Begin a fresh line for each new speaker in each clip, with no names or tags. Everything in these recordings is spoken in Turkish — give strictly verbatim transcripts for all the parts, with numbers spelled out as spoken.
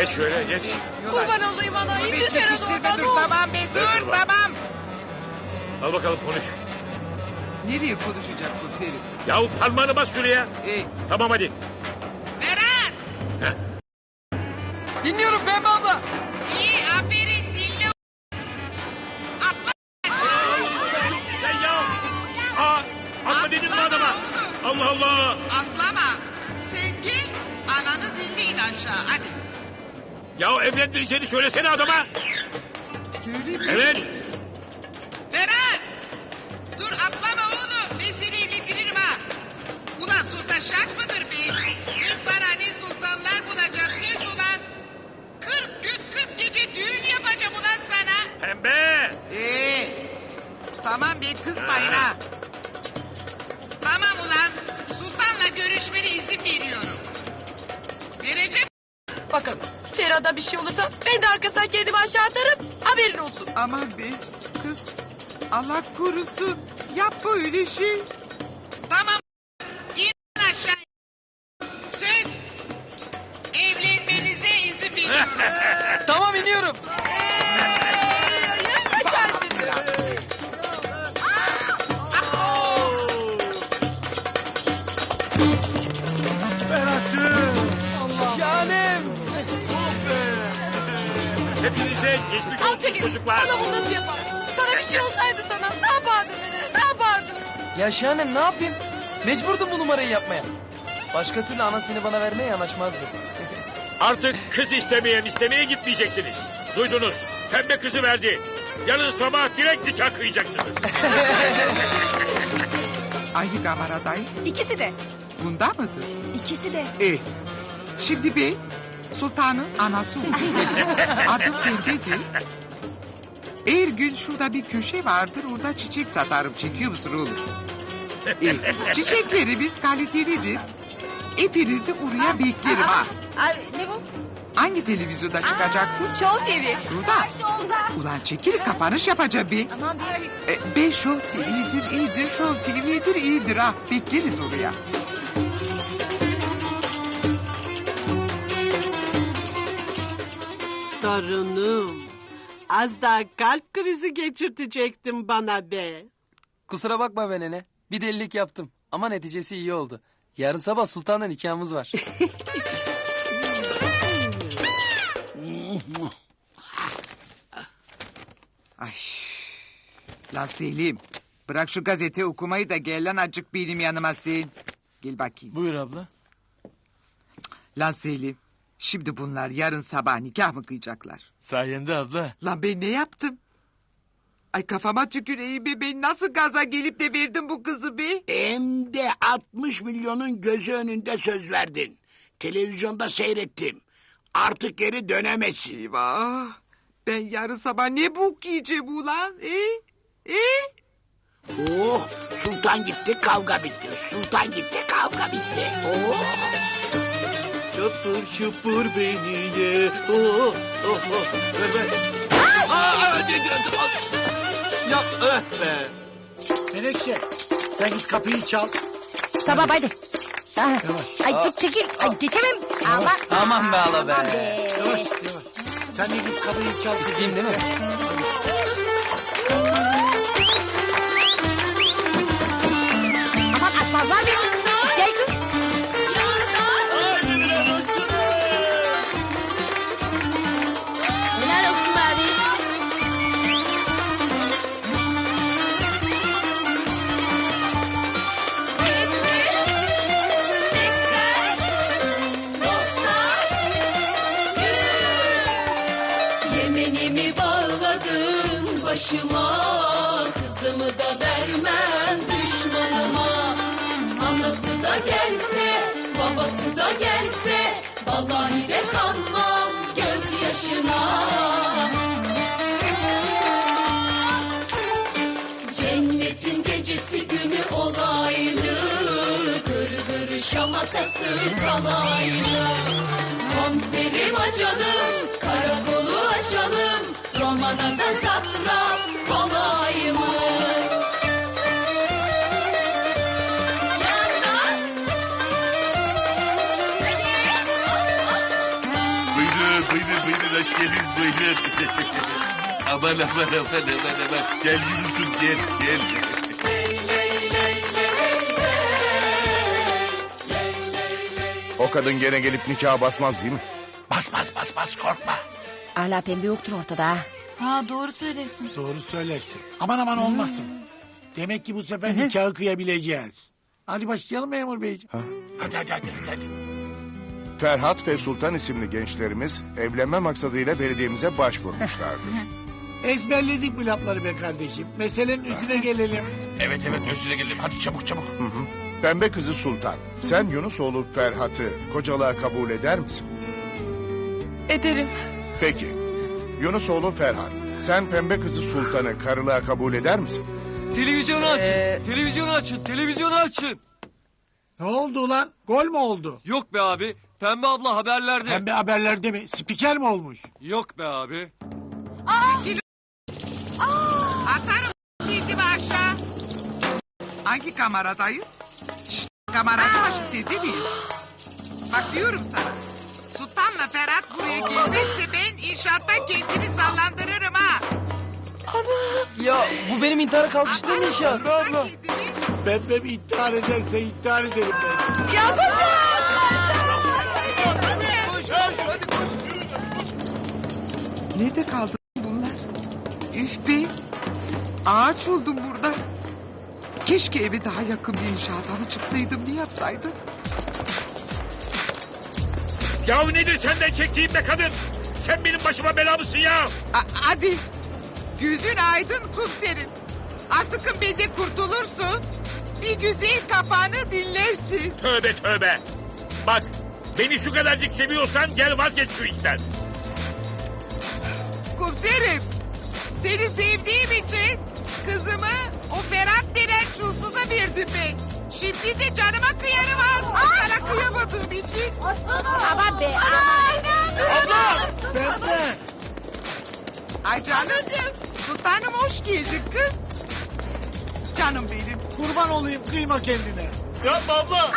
Geç şöyle geç.
Kurban olayım ana.
Dur be,
İndir Ferhat'ı
çekiştirme,
oradan.
dur
dur.
tamam be dur
dur bak.
tamam.
Al bakalım konuş.
Nereye konuşacak komiserim?
Yahu parmağını bas şuraya.
Ee,
Tamam hadi.
Ferhat!
Dinliyorum Pembe abla.
İyi aferin dinle. Atla.
Sen ya. Aa, atma dedin mi adama? Allah Allah.
Atlama. Sen gel ananı dinleyin aşağı hadi.
Ya evlendireceğini söylesene adama.
Söyle mi?
Evet.
Ferhat! Dur atlama oğlum. Ben seni evlendiririm ha. Ulan sultan şart mıdır be? Ben sana ne sultanlar bulacağım söz ulan. Kırk gün kırk gece düğün yapacağım ulan sana.
Pembe.
Ee, tamam be kızmayın ha. Tamam ulan. Sultanla görüşmene izin veriyorum. Vereceğim.
Bakın Ferhat'a bir şey olursa ben de arkasından kendimi aşağı atarım. Haberin olsun.
Aman be kız Allah korusun yapma öyle şey.
Tamam. İn aşağı. Söz. Evlenmenize izin veriyorum.
Tamam iniyorum.
Yaşar.
Şahanem.
Hepinize geçmiş
Al
olsun
çekil.
çocuklar.
Bana bunu nasıl yaparsın? Sana bir şey olsaydı sana ne yapardın beni? Ne yapardın?
Ya Şahanem ne yapayım? Mecburdum bu numarayı yapmaya. Başka türlü anasını bana vermeye yanaşmazdı.
Artık kız istemeyen istemeye gitmeyeceksiniz. Duydunuz. Pembe kızı verdi. Yarın sabah direkt nikah kıyacaksınız.
Hangi kameradayız?
İkisi de.
Bunda mıdır?
İkisi de.
E, şimdi ben sultanın anası oldum. Adım Pembe'dir. Her gün şurada bir köşe vardır orada çiçek satarım. Çekiyor musun oğlum? E, çiçeklerimiz kalitelidir. Hepinizi oraya beklerim ha.
Abi ne bu?
Hangi televizyonda çıkacaktı?
Show T V.
Şurada. Ulan çekil kapanış yapacağım bir.
Aman bir.
E, ben Show T V'dir, iyidir, Show T V'dir, iyidir ha. Bekleriz oraya.
Torunum, az daha kalp krizi geçirtecektin bana be.
Kusura bakma be nene. Bir delilik yaptım. Ama neticesi iyi oldu. Yarın sabah sultanla nikahımız var.
Ay. Lan Selim. Bırak şu gazete okumayı da gel lan acık benim yanıma sen. Gel bakayım.
Buyur abla.
Lan Selim. Şimdi bunlar yarın sabah nikah mı kıyacaklar?
Sayende abla.
Lan ben ne yaptım? Ay kafama tüküreyim be. Ben nasıl gaza gelip de verdim bu kızı be?
Hem de altmış milyonun gözü önünde söz verdin. Televizyonda seyrettim. Artık geri dönemezsin.
Eyvah. Ben yarın sabah ne bok yiyeceğim ulan? E? E?
Oh, sultan gitti kavga bitti. Sultan gitti kavga bitti. Oh.
Şapur şupur beni ye. Oh, oh, oh. Ver ver. Aa, de, de, de, yap öh be.
Menekşe, sen git kapıyı çal.
Tamam hadi. Ah, ay tut çekil. Ay geçemem. Ama.
Aman be ala be.
Aman be.
Yavaş yavaş. Sen de git kapıyı çal.
İsteyeyim değil mi?
Aman açmazlar beni. Gel kız. Helal olsun abi.
Yemenimi bağladım başıma, kızımı da vermem düşmanıma. Anası da gelse, babası da gelse, vallahi de kanmam gözyaşına. Cennetin gecesi günü olaylı, gırgır şamatası kalaylı. Komiserim açalım, karakolu açalım, romana da satrat kolay mı?
Buyurun buyurun buyurun hoş geldiniz buyurun. Aman aman aman aman aman. Gel Yunus'um gel gel.
O kadın gene gelip nikaha basmaz değil mi?
Basmaz basmaz korkma.
Hala pembe yoktur ortada ha.
Ha doğru söylesin.
Doğru söylersin. Aman aman olmasın. Demek ki bu sefer nikahı kıyabileceğiz. Hadi başlayalım memur beyciğim. Hadi hadi hadi hadi.
Ferhat ve Sultan isimli gençlerimiz evlenme maksadıyla belediyemize başvurmuşlardır.
Ezberledik bu lafları be kardeşim. Meselenin üstüne gelelim.
Evet evet özüne gelelim. Hadi çabuk çabuk.
Pembe kızı Sultan, sen Yunusoğlu Ferhat'ı kocalığa kabul eder misin?
Ederim.
Peki. Yunusoğlu Ferhat, sen pembe kızı Sultan'ı karılığa kabul eder misin?
Televizyonu açın. Televizyonu açın. Televizyonu açın.
Ne oldu ulan? Gol mü oldu?
Yok be abi. Pembe abla haberlerde.
Pembe haberlerde mi? Spiker mi olmuş?
Yok be abi.
Atarım kendimi aşağı. Hangi kameradayız? Şşt, kameracı başı sen değil miyiz? Bak diyorum sana. Sultan'la Ferhat buraya gelmezse ben inşaatta kendimi sallandırırım ha.
Ya bu benim intihara kalkıştığım inşaat.
Kendimi-
Pembe bir intihar ederse intihar ederim ben.
Ya koşun.
Nerede kaldı bunlar? Üf be. Ağaç oldum burada. Keşke eve daha yakın bir inşaata mı çıksaydım, ne yapsaydım?
Yahu nedir senden çektiğim be kadın? Sen benim başıma bela mısın ya?
A- hadi. Gözün aydın kumserim. Artık benden kurtulursun. Bir güzel kafanı dinlersin.
Tövbe tövbe. Bak beni şu kadarcık seviyorsan gel vazgeç şu işten.
Komiserim, seni sevdiğim için kızımı o Ferhat denen çulsuza verdim ben. Şimdi de canıma kıyarım ha. Sana kıyamadığım için.
Aman be.
Pembe.
Ay canım. Sultanım hoş geldin kız. Canım benim.
Kurban olayım kıyma kendine.
Yapma abla.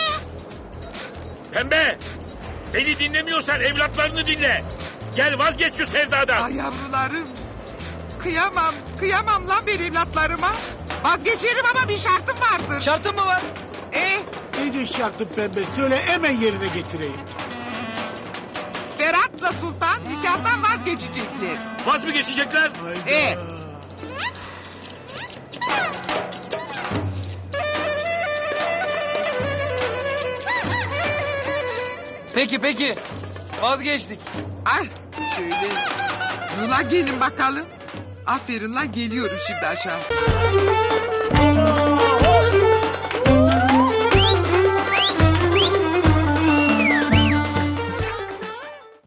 Pembe beni dinlemiyorsan evlatlarını dinle. Gel vazgeç şu sevdadan.
Ay yavrularım. Kıyamam, kıyamam lan ben evlatlarıma. Vazgeçerim ama bir şartım vardır.
Şartın mı var?
E,
Neydi şartın pembe? Söyle hemen yerine getireyim.
Ferhat'la Sultan nikahtan vazgeçecekler.
Vaz mı geçecekler?
E,
Peki peki. Vazgeçtik.
Ay şöyle. Ula gelin bakalım. Aferin lan, geliyorum şimdi aşağı.